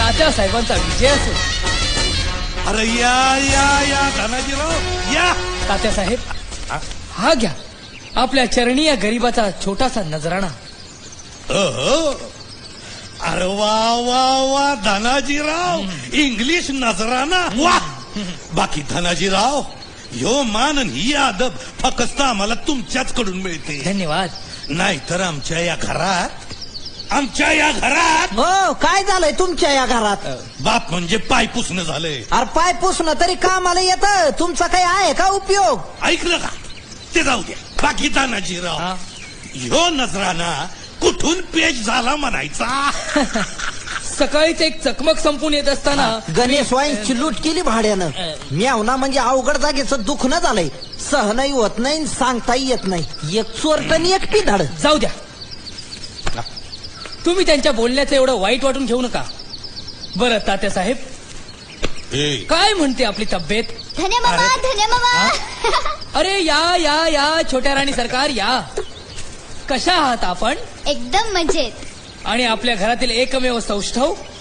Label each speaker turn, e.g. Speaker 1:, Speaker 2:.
Speaker 1: तात्या साहेबांचा विजय असो.
Speaker 2: अरे या या या धनाजीराव या.
Speaker 1: तात्या साहेब हा घ्या आपल्या चरणी या गरीबाचा छोटासा नजराणा.
Speaker 2: अरे वा वा वा धनाजीराव, इंग्लिश नजराना वा. बाकी धनाजीराव, ह्यो मान आणि ही अदब फक्त आम्हाला तुमच्याच कडून मिळते.
Speaker 1: धन्यवाद.
Speaker 2: नाहीतर आमच्या या घरात
Speaker 3: हो काय झालंय तुमच्या या घरात?
Speaker 2: बाप म्हणजे पाय पुसणं झालंय.
Speaker 3: अरे पाय पुसणं तरी कामाला येतं, तुमचा काही आहे का उपयोग?
Speaker 2: ऐकलं का? ते जाऊ द्या. बाकी धनाजीराव, ह्यो नजराना कुठून पेश झाला म्हणायचा?
Speaker 1: सकाळीच एक चकमक संपून येत असताना
Speaker 3: गणेश वाईन्सची लूट केली भाड्यानं. म्यावना म्हणजे अवघड जागेचं दुखणं झालंय. सहनही होत नाही, सांगताही येत नाही. एक चोरटणी एक पिधाड.
Speaker 1: जाऊ द्या. तुम्ही त्यांच्या बोलण्याचं एवढं वाईट वाटून घेऊ नका. बरं तात्या साहेब, काय म्हणते आपली तब्येत?
Speaker 4: धन्य मामा, धन्य मामा.
Speaker 1: अरे या या या छोट्या राणी सरकार या. कशा आहात आपण?
Speaker 4: एकदम मजेत.
Speaker 1: आणि आपल्या घरातील एकमेव सौष्ठव